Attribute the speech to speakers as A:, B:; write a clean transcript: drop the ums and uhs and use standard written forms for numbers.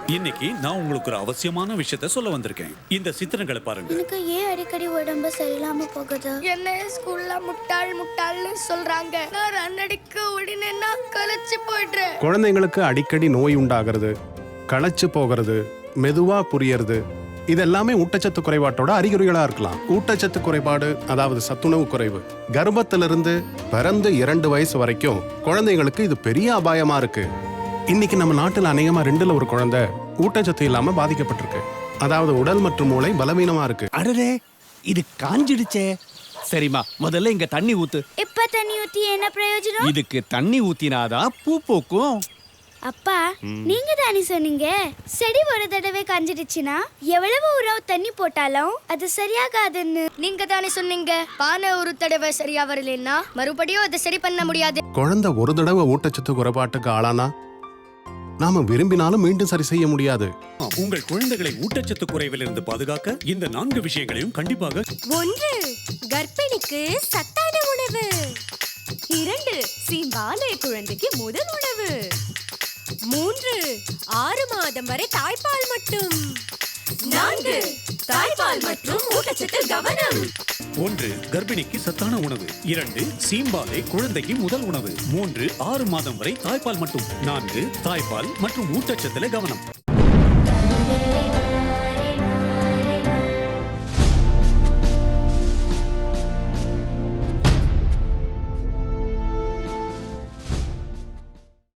A: இன்னைக்கு நான் உங்களுக்கு ஒரு அவசியமான விஷயத்த சொல்ல வந்திருக்கேன். இந்த சித்திரங்களை பாருங்க.
B: எனக்கு ஏன் அடிக்கடி உடம்பு சரியில்லாம போகுது?
C: என்ன ஸ்கூல்ல முட்டாள்னு சொல்றாங்க. நான் ரன் அடிக்க உடனே நான் களைச்சு போயிடுறேன்.
D: குழந்தைங்களுக்கு அடிக்கடி நோய் உண்டாகிறது, களைச்சு போகிறது, மெதுவா புரியறது, இதெல்லாமே ஊட்டச்சத்து குறைபாட்டோட அறிகுறிகளா இருக்கலாம். ஊட்டச்சத்து குறைபாடு, அதாவது சத்துணவு குறைவு, கர்ப்பத்திலிருந்து பிறந்து 2 வயசு வரைக்கும் குழந்தைங்களுக்கு இது பெரிய அபாயமா இருக்கு. இன்னைக்கு நம்ம நாட்டில் அநேகமா 2ல் 1 குழந்தை ஊட்டச்சத்து இல்லாம பாதிக்கப்பட்டிருக்கு. அதாவது உடல் மற்றும் மூளை பலவீனமா இருக்கு.
E: அடடே, இது காஞ்சிடுச்சே. சரிம்மா, முதல்ல இங்க தண்ணி ஊத்து.
B: இப்ப தண்ணி ஊத்தி என்ன பிரயோஜனம்?
E: இதுக்கு தண்ணி ஊத்தினாதான் பூ பூக்கும்.
B: அப்பா, நீங்க தானே சொன்னீங்க செடி ஒரு தடவை காஞ்சிடுச்சுன்னா எவ்வளவு உரம் தண்ணி போட்டாலும் அது சரியாகாதுன்னு.
C: நீங்க தானே சொன்னீங்க பானை ஒரு தடவை சரியா வரலன்னா மறுபடியும் அதை சரி பண்ண முடியாது.
D: குழந்தை ஒரு தடவை ஊட்டச்சத்து குறைபாட்டுக்கு ஆளானா நாம விரும்பினாலும் மீண்டும் சரி செய்ய முடியாது.
A: உங்கள் குழந்தைகளை ஊட்டச்சத்து குறைவிலிருந்து பாதுகாக்க இந்த 4 விஷயங்களையும் கண்டிப்பாக.
F: 1. கர்ப்பிணிக்கு சத்தான உணவு. 2. சீம்பாலை குழந்தைக்கு முதல் உணவு. 3. 6 மாதம் வரை தாய்ப்பால் மட்டும். 4. தாய்ப்பால் மற்றும் ஊட்டச்சத்தில் கவனம்.
A: 1. கர்ப்பிணிக்கு சத்தான உணவு. 2. சீம்பாலை குழந்தைக்கு முதல் உணவு. 3. 6 மாதம் வரை தாய்ப்பால் மட்டும். 4. தாய்ப்பால் மற்றும் ஊட்டச்சத்துல கவனம்.